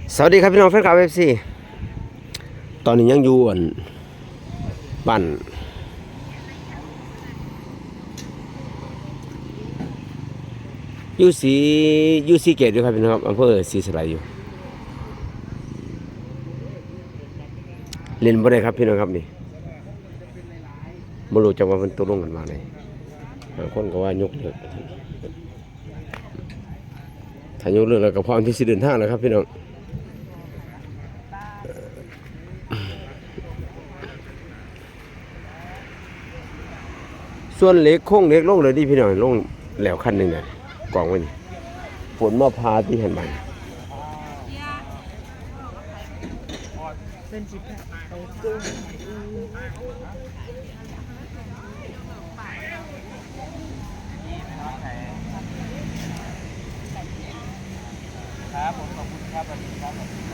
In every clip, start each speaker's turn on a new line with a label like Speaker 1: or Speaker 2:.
Speaker 1: สวัสดีครับพี่น้องแฟนคลับFC ตอนนี้ยังอยู่บ้านยูซีเกตอยู่ครับพี่น้องครับอำเภอศรีสะไลอยู่เล่นบ่ได้ครับพี่น้องครับนี่บ่รู้จักว่ามันตกลงกันมาไหนบางคนก็ว่ายกเลิกถ้ายกเลิกแล้วก็พร้อมที่สิเดินทางแล้วครับพี่น้องส่วนเล็กโค้งเล็กลงเลยดิพี่น้องลงแล้วคันหนึ่งเนี่ยกองไว้นี่ฝนมาพาที่เห็นมัน
Speaker 2: ครับผมขอบคุณครับวันนี้ครับ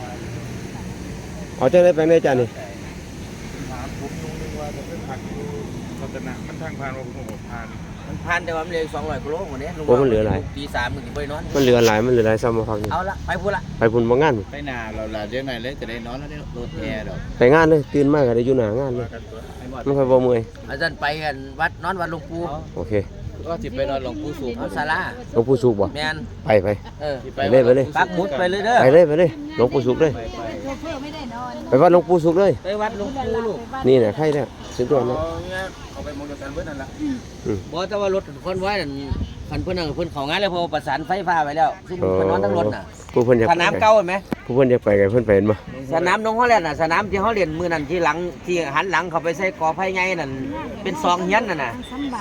Speaker 1: เอาจะได้ไปไหนจ้านี่
Speaker 2: ถามผมตรงนึงว่าจะเป็นผักอยู่รัตนะมันทางผ่านว่าผมผ่าน
Speaker 3: มันพันแต่ว่ามันเหลือ200กิโลกว่านี้
Speaker 1: โอ้มันเหลือหลาย
Speaker 3: ตี3มึงสิไปนอน
Speaker 1: มันเหลือหลายซ้ำมาพักนี่
Speaker 3: เอาละไปพูดละ
Speaker 1: ไปพุ่นบ่งาน
Speaker 2: ไปนาเราละเดี๋ยวไงเลยจะได้นอนแล้วได้รถแอร์ดอก
Speaker 1: ไปงานเลยตื่นมากก็ได้อยู่หน้างานเลยไม่ค่อยบ่เมื่อย
Speaker 3: อาจารย์ไปกันวัดนอนวัดหลวงปู่
Speaker 1: โอเค
Speaker 2: ก็จิไปนอนหลวงปู่สูง
Speaker 3: เอาศาลา
Speaker 1: หลวงปู่สุขบ่
Speaker 3: แม่น
Speaker 1: ไป
Speaker 3: ไป
Speaker 1: เลย
Speaker 3: ปักหมุดไปเลยเด้อ
Speaker 1: ไปเลยหลวงปู่สุขเลยไปวัดหลวงปู่สุขเลย
Speaker 3: ไปวัดหลวงปู่ลูก
Speaker 1: นี่น่ะใครเนี่ยสุดยอดเลย
Speaker 2: เอาไปมองกันเพื่อนนั่นแหละ
Speaker 3: บ่แต่ว่ารถคนไว้นั่นคันเพิ่นนั่นเพิ่นเข้างานแล้วเพอประสานไฟฟ้าไว้แล้วซึ่งเพิ่นนอนทั้งรถน่ะ
Speaker 1: ผู้เพิ่นอยาก
Speaker 3: สนามเก่าเห็นไหม
Speaker 1: ผู้เพิ่นอยากไปกันเพิ่นไปเห็นบ่
Speaker 3: สนามนงฮอลแลนด์น่ะสนามที่เฮาเล่นมื้อนั้นที่หลังที่หันหลังเข้าไปใส่กอไผ่ใหญ่นั่นเป็นซองเฮียนนั่นน่ะ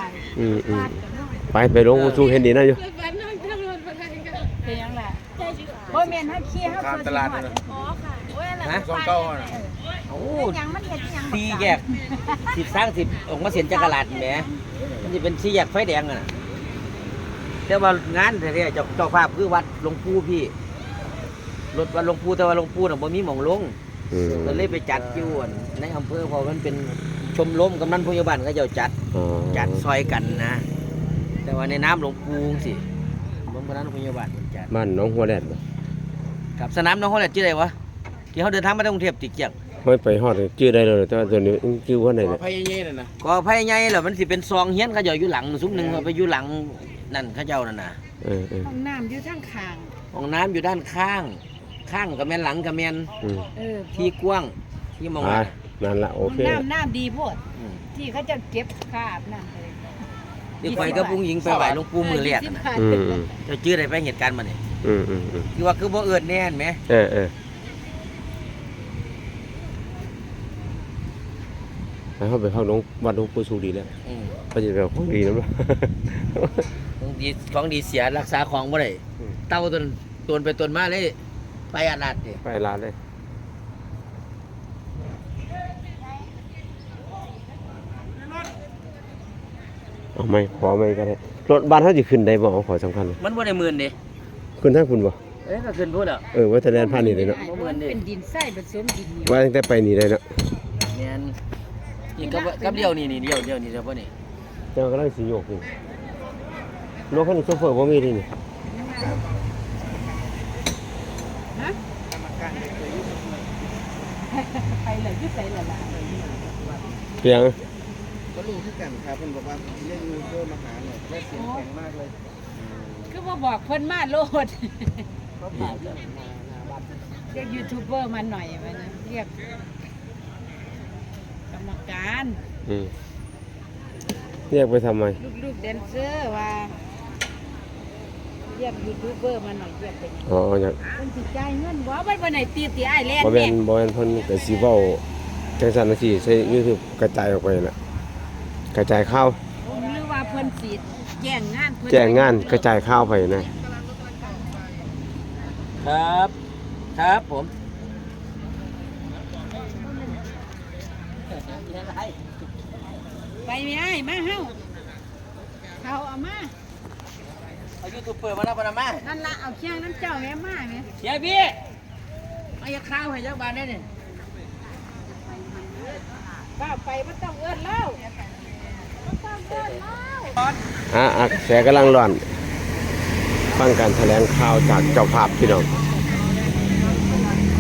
Speaker 1: ไปหลวงปู่สุขเห็นดีนะอยู่
Speaker 4: เป็นยังไงบ่แม่นเฮาขี้เฮา
Speaker 2: ข้ามตลาดนั่น
Speaker 4: อ๋อค่ะโอ้ยอะไร
Speaker 3: ฮะ
Speaker 2: ซองเก้าน่ะ
Speaker 3: โอ้
Speaker 4: ยังมันเฮ็ดยัง
Speaker 3: ตีแยก10สร้าง10ออกมาเสียนจักรลาดแหมมันสิเป็นสี่แยกไฟแดงน่ะแต่ว่างานแท้ๆเจ้าภาพคือวัดหลวงปู่พี่รถวัดหลวงปู่แต่ว่าหลวงปู่น่ะบ่มีหม่องลงก็เลยไปจัดอยู่ในอำเภอเพราะมันเป็นชมรมกำนันผู้ใหญ่บ้านเขาเจ้าจัดซอยกันนะ แต่ว่าในน้ำหลวงปู่สิมันกำนันผู้ใหญ่บ้านมันจัด
Speaker 1: บ้านน้องหัวแดดบ่
Speaker 3: ครับสนามน้องฮอลแลนด์ชื่ออะไรวะที่เขาเดินทางมาจากกรุงเทพติดเกียง
Speaker 1: ไม่ไปฮอดชื่อได้เลยแต่ว่าตัวนี้ชื่อว่าไหน
Speaker 2: ขอ
Speaker 1: เนี่ย
Speaker 2: พายเย่ๆน่ะนะ
Speaker 3: ก็ภายในเหรอมันสิเป็นซองเฮียนเขาเจ้าอยู่หลังซุ้มหนึ่งเขาไปอยู่หลังนั่นเขาเจ้านั่นน่ะ
Speaker 4: ห้องน้ำอยู่ทางข้าง
Speaker 3: ห้องน้ำอยู่ด้านข้างกับแม่นหลังกับแม่น ที่กว้างที่มอง
Speaker 1: นั่นละโอ
Speaker 4: ห้อง
Speaker 1: เค
Speaker 4: น้ำดีโพดที่เขาจะเก็บคราบน้ำเลย
Speaker 3: ที่คอยกับพุงหญิงไปไหวหลวงปู่มือแรกน่ะเจ้าชื่ออะไรไปเหตุการณ์มาเนี่ยคือว่าคือบ่เอิญแน่นไหม
Speaker 1: แล้วเขาไปเข้าวัดหลวงปู่สุขดีแล้วเขาจะไปเอาของดีนะมั้ง
Speaker 3: ของดีเสียรักษาของบ่ได้เต้าตนไปตนมาเลยไปอาลาดดิ
Speaker 1: ไปร้านเลยเอาไม่ขอไม่ก็ได้รถบ้านเขาจะขึ้นได้บ่เอาขอสำคัญเลย
Speaker 3: มันบ่ได้หมื่นดิ
Speaker 1: ขึ้นทางคุณบ่
Speaker 3: ก็ขึ้นพูดอ่ะ
Speaker 1: ว่าจะแลนผ่านนี่เลยเนาะ
Speaker 4: เป็นดินทรายผสมดินเหนียว
Speaker 1: ว่าตั้งแต่ไปนี่เลยเนาะ
Speaker 3: แม่นนี่กับเดียวนี่เดียวเดียวบ่นี่
Speaker 1: เจ้าก็ได้สีโยกนี่รถคันนี้โซเฟอร์บ่มีที่นี่
Speaker 4: ไปเลยที่ใส่ละล่ะ
Speaker 1: เพียง
Speaker 2: ก็รู้ที่กันครับเพิ่นบอกว่าเล่นยูเซอร์มาหาเนี่ยและเสียงแข็งมากเลย
Speaker 4: คือบ่บอกเพิ่นมาโลดเรียกยูทูบเบอร์มาหน่อยมันเรียกกรรมการ
Speaker 1: เรียกไปทำไม
Speaker 4: ลูกๆแดนเซอร์ว่าเรียกยูทูบเบอร์มาหน่อยเรียกเป็น
Speaker 1: อ๋ออยาก
Speaker 4: เพิ่นสิจ่ายเงินบ่วันไหนตีอ้ายแล่น
Speaker 1: บ่แม่
Speaker 4: แม่
Speaker 1: นบ่แม่นเพิ่นก็สิเว้าจังซั่นจังซี่ใช้ YouTube กระจายออกไปน่ะกระจายข่าว
Speaker 4: หรือว่าเพิ่นสิแจ้งงานเพิ่น
Speaker 1: แจ้งงานกระจายข่าวไปนะ
Speaker 3: ครับผม
Speaker 4: ไปไม่ได้มาเฮาเขาเอามา
Speaker 3: เอายูทูบเปิดมาแล้วปะมา
Speaker 4: นั่นละเอาเคียงน้ำเจ้าแม่มาแม่
Speaker 3: เฮียพี่เอาอย่าข้าวให้เจ้าบ้านได้นี่
Speaker 4: ป้าไปบ่ต้องเอิ้นเล่าบ่ต้องเอิ้นเล่า
Speaker 1: แสกำลังร้อนฟังการแถลงข่าวจากเจ้าภาพพี่น้อง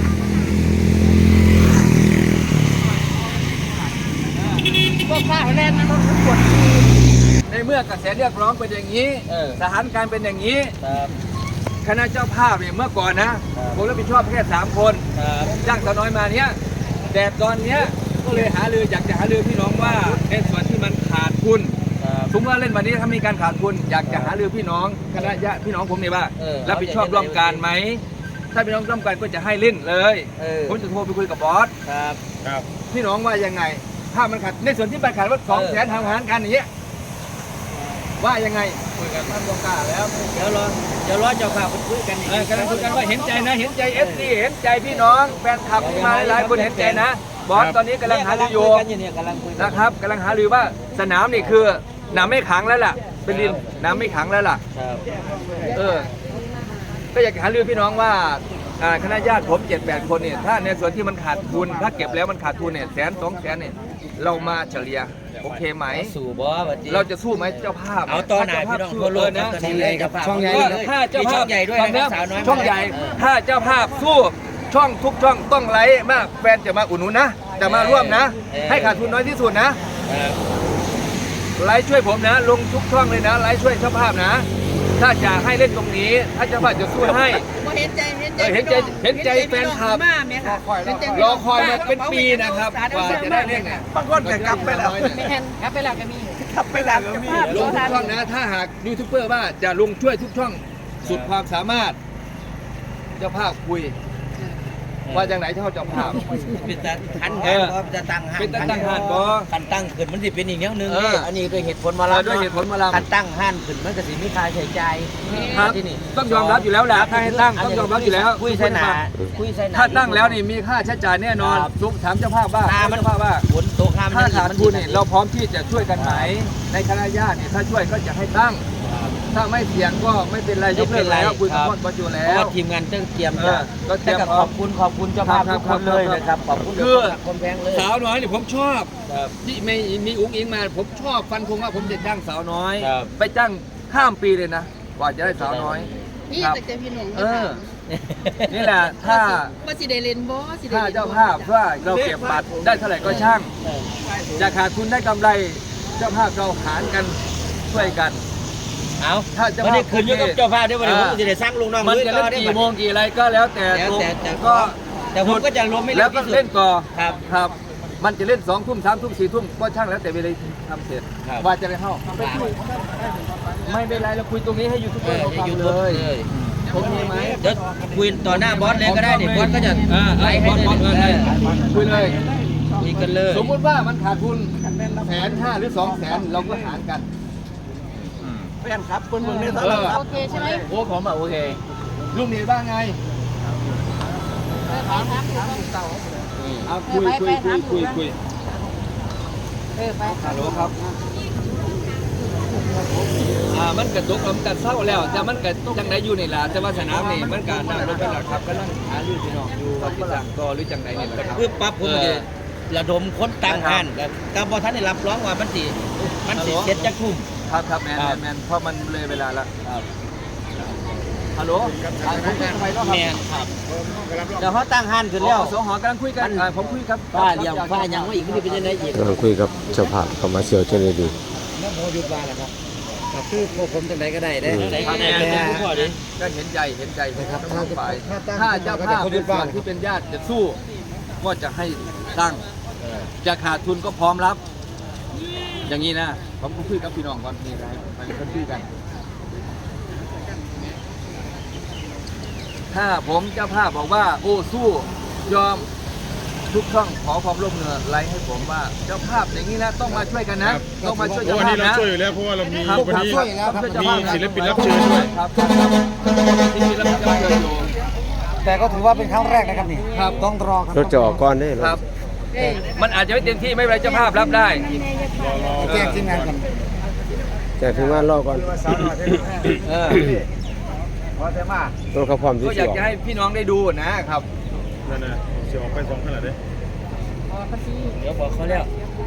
Speaker 5: อกระแสเรียกร้องเป็นอย่างนี้สถานการณ์เป็นอย่างนี้
Speaker 3: ครับ
Speaker 5: คณะเจ้าภาพเนี่ยเมื่อก่อนนะผมรับผิดชอบแค่3 คนจ้างสาวน้อยมาเนี้ยแต่ตอนเนี้ยก็เลยอยากจะหารือพี่น้องว่าในส่วนที่มันขาดทุนสมมติว่าเล่นวันนี้ถ้ามีการขาดทุนอยากจะหารือพี่น้องคณะญาติพี่น้องผมเนี่ยว่ารับผิดชอบร่วมกันไหมถ้าพี่น้องร่วมกันก็จะให้เล่นเลยผมจะโทรไปคุยกับบอส
Speaker 2: ครับ
Speaker 5: พี่น้องว่ายังไงถ้ามันขาดในส่วนที่มันขาดว่า200,000ทำงานกันอย่างเงี้ยว่ายังไงคุยกันท่านบอกกล้าแล้ว
Speaker 3: เดี๋ยวรอเจ้าภาพคุยกัน
Speaker 5: กำลังคุยกันว่าเห็นใจนะเห็นใจFC เห็นใจพี่น้องแฟนคลับที่มาหลายคนเห็นใจนะบอสตอนนี้กำลังหารืออยู่
Speaker 3: กำลังคุยกัน
Speaker 5: นะครับกำลังหารือว่าสนามนี่คือน้ำไม่ขังแล้วล่ะเป็นดินน้ำไม่ขังแล้วล่ะ
Speaker 3: ครับ
Speaker 5: ก็อยากหารือพี่น้องว่าคณะญาติผม7-8 คนเนี่ยถ้าในส่วนที่มันขาดทุนถ้าเก็บแล้วมันขาดทุนเนี่ย100,000-200,000เนี่ยเรามาเฉลี่ยโอเคไหม
Speaker 3: สู่บอสบัดนี้
Speaker 5: เราจะสู้ไหมเจ้าภาพ
Speaker 3: เอาต่อหน้าพี่น้องทั่วโลกนะ
Speaker 5: ช่องใหญ่ครับ
Speaker 3: ช่องใหญ่
Speaker 5: ถ้าเจ้าภา
Speaker 3: ช่
Speaker 5: พ
Speaker 3: องใหญ่ด้วยนะครับสาวน้อย
Speaker 5: ช่องใหญ่ถ้าเจ้าภาพสู้ช่องทุกช่องต้องไลฟ์มากแฟนจะมาอุดหนุนนะจะมาร่วมนะ ให้ขาดทุนน้อยที่สุดนะไลฟ์ช่วยผมนะ ลงทุกช่องเลยนะไลฟ์ช่วยเจ้าภาพนะ ถ้าจะให้เล่นตรงนี้ ถ้าเจ้าภาพจะสู้ให้
Speaker 4: เห็นใจ
Speaker 5: เห็นใจแฟนคลับ
Speaker 4: มาแม่ค่ะ
Speaker 5: รอคอยมาเป็นปีนะครับกว่าจะได้เล่นเนี่ย
Speaker 2: บางคนก็กลับไปแล้ว
Speaker 4: ไม่เห็นกลับไปแล้วก็มี
Speaker 2: กลับไปแล้วก็มี
Speaker 5: ลงทุกช่องนะ ถ้าหากยูทูบเบอร์ว่าจะลงช่วยทุกช่องสุดความสามารถ เจ้าภาพคุย ว่าจังไหนเท่าเจ้าภาพ
Speaker 3: เป็นตาทันงานบ่จะตั้งห้าน
Speaker 5: เป็นตาตั้งห้านบ่
Speaker 3: คันตั้งขึ้นมันสิเป็นอีกแนวหนึง
Speaker 5: เออ
Speaker 3: อันนี้ด้วยเหตุผลมาแล้ว
Speaker 5: ด้วยเหตุผลมาแล้ว
Speaker 3: คันตั้งห้านขึ้นมันก็สิมีค่าใช้จ่าย
Speaker 5: ครับ
Speaker 3: ที่นี่
Speaker 5: ต้องยอมรับอยู่แล้วแหละถ้าให้ตั้งต้องยอมรับอยู่แล้ว
Speaker 3: คุยใส่หนาคุยใส่หนา
Speaker 5: ถ้าตั้งแล้วนี่มีค่าใช้จ่ายแน่นอนทุกถามเจ้าภาพว่า
Speaker 3: หน้ามัน
Speaker 5: เจ้าภาพว่า
Speaker 3: ฝนตกห้าม
Speaker 5: ถ้าขาดทุนเนี่ย
Speaker 3: เรา
Speaker 5: เราพร้อมที่จะช่วยกันไหมในคณะญาติเนี่ยถ้าช่วยก็จะให้ตั้ง ถ้าไม่เสี่ยงก็ไม่เป็นไรยกเลิกแล้วคุยกับพ่อประจุแล้
Speaker 3: เพราะ
Speaker 5: ว
Speaker 3: ว่าทีมงานต้องเตรียม
Speaker 5: เออก็เตรียม
Speaker 3: แต่ก็ขอบคุณเจ้าภาพทุกคนเลยนะครับขอบคุณ
Speaker 5: คือ
Speaker 3: คนแพงเลย
Speaker 5: สาวน้อยเนี่ยผมชอบที่ไม่มีอุ้งอิงมาผมชอบฟันคงว่าผมจะจ้างสาวน้อย
Speaker 3: ครับ
Speaker 5: ไปจ้างข้ามปีเลยนะกว่าจะได้สาวน้อย
Speaker 4: นี่
Speaker 5: ครับ
Speaker 4: แต่เจ้าพี่หนุ่ม
Speaker 5: เออ นี่แหละถ้า
Speaker 4: ว่าสิได้เล่นบ่สิได้
Speaker 5: ถ้าเจ้าภาพว่าเราเก็บบัตรได้เท่าไหร่ก็ช่าง จะขาดทุนได้กำไรเจ้าภาพเราหารกันช่วยกัน
Speaker 3: เอา
Speaker 5: ถ้าเจ้าภาพ
Speaker 3: วันนี้คืนอยู่กับเจ้าภาพด้วยวันนี้ผมจะได้สร้างลุงน้อง
Speaker 5: มันจะเล่นกี่โมงกี่อะไรก็แล้วแต่
Speaker 3: แล้วแต่
Speaker 5: ก็
Speaker 3: แต่ผมก็จะรวมไม่
Speaker 5: แล้
Speaker 3: เร็
Speaker 5: ว
Speaker 3: ว
Speaker 5: ก็
Speaker 3: ที่สุด
Speaker 5: เล่นต่อ
Speaker 3: ครับ
Speaker 5: ครับ มันจะเล่น2 ทุ่ม3 ทุ่ม4 ทุ่มก็ช่างแล้วแต่เวลาทำเสร็จ
Speaker 3: ครับ
Speaker 5: ว่าจะได้เข้าไม่เป็นไรเราคุยตรงนี้ให้ยูทูบเบอร์เขาฟังเลย โอเคไหม
Speaker 3: เดี๋ยวคุยต่อหน้าบอสเลยก็ได้นี่บอสก็จะไลฟ์ให้
Speaker 5: บอส
Speaker 3: เล
Speaker 5: เลย ยคุยเลย
Speaker 3: คุยกันเลย
Speaker 5: สมมติว่ามันขาดทุน150,000หรือ200,000เราก็หารกัน
Speaker 2: แฟนครับคนเมืองในต
Speaker 5: เอ
Speaker 2: ลาด
Speaker 5: อ
Speaker 2: ครับ
Speaker 4: โอเคใช่ไหม
Speaker 5: โอ้ผมโอเคลุงนี่บ้างไง
Speaker 4: ถามเต่า
Speaker 5: เอาคุยคุย
Speaker 4: ไป
Speaker 5: ฮัลโหลครับมันกระตุกมันกระเศร้าแล้วแต่มันกระจังไดอยู่นี่ล่ะแต่ว่าสนามนี่มันการน่ารถเป็นหลักครับกำลังหาลือพี่น้องอยู่ว่าที่สั่งต่อหรือจังไดนี่แหละครับ
Speaker 3: คือปั๊บผมจะระดมคนตั้งห้านกับบอท่านได้รับร้องว่ามันสิเจ็ดจักทุ่ม
Speaker 5: ครับแมนเพราะมันเลยเวลาแล้วฮัลโหลผมคุยกับใครแล้วครับ
Speaker 3: แม่นครับเดี๋ยวเขาตั้งห้านขึ้นแล้ว
Speaker 5: สหกำลังคุยกันผมคุยครับ
Speaker 3: ป้าเลี้ยงป้ายังว่าอีกไม่ได้เป็นยังไงอีก
Speaker 1: กำลังคุยกับเจ้าภาพเขามาเชียวเจเนดี
Speaker 3: น้ำโมยุบบ้านแล้วครับก็คือพวกผมจังไดก็ได้เด้
Speaker 5: ก็เห็นใจนะครับทั้งฝ่ายถ้าเจ้าภาพเป็นฝ่ายที่เป็นญาติจะสู้ก็จะให้ตั้งจะขาดทุนก็พร้อมรับ อย่างนี้นะผมก็คุยกับพี่น้องก่อนนี่ครับมันเป็นคุยกัน ถ้าผมเจ้าภาพบอกว่าโอ้สู้ยอมทุกช่องขอความร่วมมือไลฟ์ให้ผมว่าเจ้าภาพอย่างนี้นะต้องมาช่วยกันนะ ต้องมาช่วย
Speaker 2: เพราะ
Speaker 5: เจ้า
Speaker 2: วัน
Speaker 5: ภา
Speaker 2: นี้
Speaker 5: พ
Speaker 2: เรา
Speaker 5: นะ
Speaker 2: ช่วยอยู่แล้วเพราะว่าเรามี
Speaker 5: ครับ
Speaker 2: วันนี้
Speaker 5: มี
Speaker 2: ศิลปินรับเชิญด้วย
Speaker 5: ครับศิลปินรับเชิญอยู่
Speaker 3: แต่ก็ถือว่าเป็นครั้งแรกนะครับนี่
Speaker 5: ครับ
Speaker 3: ต้องรอครับ
Speaker 1: รถจะออกก้อนได้
Speaker 5: ครับ มันอาจจะไม่เต็มที่ไม่เป็นไรเจ้าภาพรับได้
Speaker 3: แจ้งทีมงานกัน
Speaker 1: แจกถึงว่านรอก่อน
Speaker 5: เออ
Speaker 1: รถเขาพร้อมที่
Speaker 5: ก็อ
Speaker 1: จะ
Speaker 5: ยาก
Speaker 1: ออก
Speaker 5: จะให้พี่น้องได้ดูนะครับ
Speaker 2: นั่นนะเสียออกไป2ขนาดเด้
Speaker 3: เดี๋ยวบอกเขาแล้ว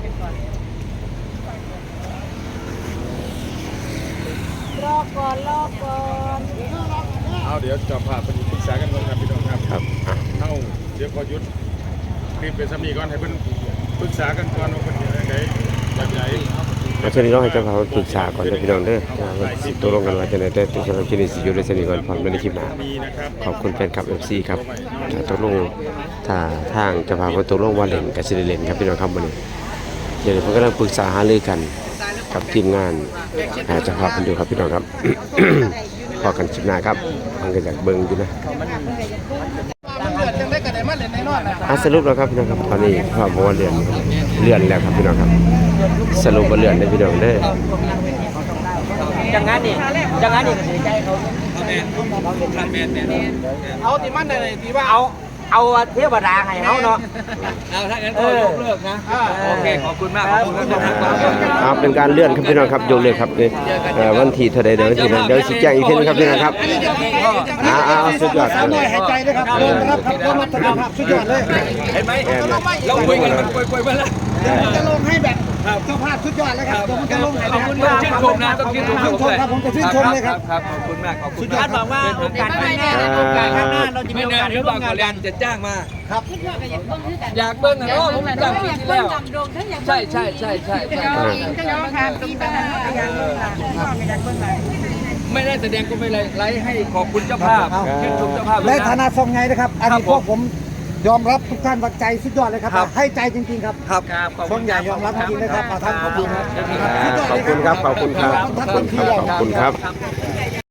Speaker 4: รอก่อนรอก่อน
Speaker 2: เอาเดี๋ยวจะพาไปปรึกษากันก่อนครับพี่น้องครับ
Speaker 1: ครับอ่ะ
Speaker 2: เอาเดี๋ยวพอหยุดคลิปเป็นสามีก่อนให้เพิ่นปรึกษากันก่อนว่าเพิ่นจะยังไงแบบไหน
Speaker 1: แล้วช่วงนี้ต้องให้เจ้าภาพปรึกษาก่อนนะพี่น้องเด้อว่าสิตกลงกันว่าจะไหนแต่ตัวสำหรับคลิปนี้สิอยู่ในสนิทก่อนพร้อมในคลิปหน้า
Speaker 2: มีนะครับ
Speaker 1: ขอบคุณแฟนคลับ FC ครับตกลงถ้าทางเจ้าภาพตกลงว่าเล่นกับสิได้เล่นครับพี่น้องครับวันนี้เดี๋ยวผมกำลังปรึกษาหารือกันกับทีมงานเจ้าภาพกันอยู่ครับพี่น้องครับ พอกันคลิปหน้าครับมันก็อยากเบิ่งอยู่นะสรุปแล้วครับพี่น้องครับตอนนี้พ่อบอกว่าเลื่อนแล้วครับพี่น้องครับสรุปว่าเลื่อนได้พี่น้องเด้อ
Speaker 3: จังงั้นนี่เสียใจเขา
Speaker 5: เอาติมันเลยที่ว่า
Speaker 3: เอาเทวดาให้เขาเนาะ
Speaker 5: เอาถ้างั้นก็ยกเลิกนะโอเคขอบคุณมากขอบคุณครับ
Speaker 1: เป็นการเลื่อนครับพี่น้องครับยกเลยครับวันที่เท่าใดเดี๋ยววันที่นั้นเดี๋ยวชี้แจงอีกทีนึงครับพี่น้องครับสุดยอดครับ
Speaker 6: หายใจเลยครับโดนนะครับครับรถสุดยอดเลย
Speaker 5: เห็นไหมเราคุยกันมันคุยมาแล้ว
Speaker 6: จะลงให้แบบเจ้าภาพสุดยอดเลยครับเดี๋ยวมันจะลงให้
Speaker 5: ขอบคุณมากชื่นชมนะต้องชื่นชม
Speaker 6: ครับผมจะชื่นชมเลยครับ
Speaker 5: ครับขอบคุณมากขอบคุณ
Speaker 3: ท่านบอกว่าโอกาสข้างหน้าเราจะมี
Speaker 5: ไม่
Speaker 3: โอน
Speaker 5: าก
Speaker 3: าส
Speaker 5: นหรื
Speaker 3: ได้
Speaker 5: อเป
Speaker 3: ร่ว
Speaker 5: ล่าม
Speaker 3: งาน
Speaker 5: แร
Speaker 3: กัน
Speaker 5: งจะจ้างมา
Speaker 4: ขึ้นว่าก็อยากเบิ่งคือกัน
Speaker 5: อยากเบิ้งนะผมจ้างปีที่แล้วใช่
Speaker 4: ปีปัญหาอยากเบิ่งล่ะไม่อยากเบิ่งล่ะ
Speaker 5: ไม่ได้แสดงก็ไม่ไลฟ์ให้ขอบคุณเจ้าภาพชื่นชมเจ้าภาพ
Speaker 6: ในฐานะทรงไงนะครับ อันนี้พวกผมยอมรับทุกท่านว่าใจสุดยอดเลยครับให้ใจจริงๆครับ
Speaker 5: ครับ
Speaker 6: ทรงใหญ่ยอมรับจริงๆนะครับท่านขอบคุณครับ
Speaker 1: ขอบคุณครับขอบคุณครับขอบคุณครับ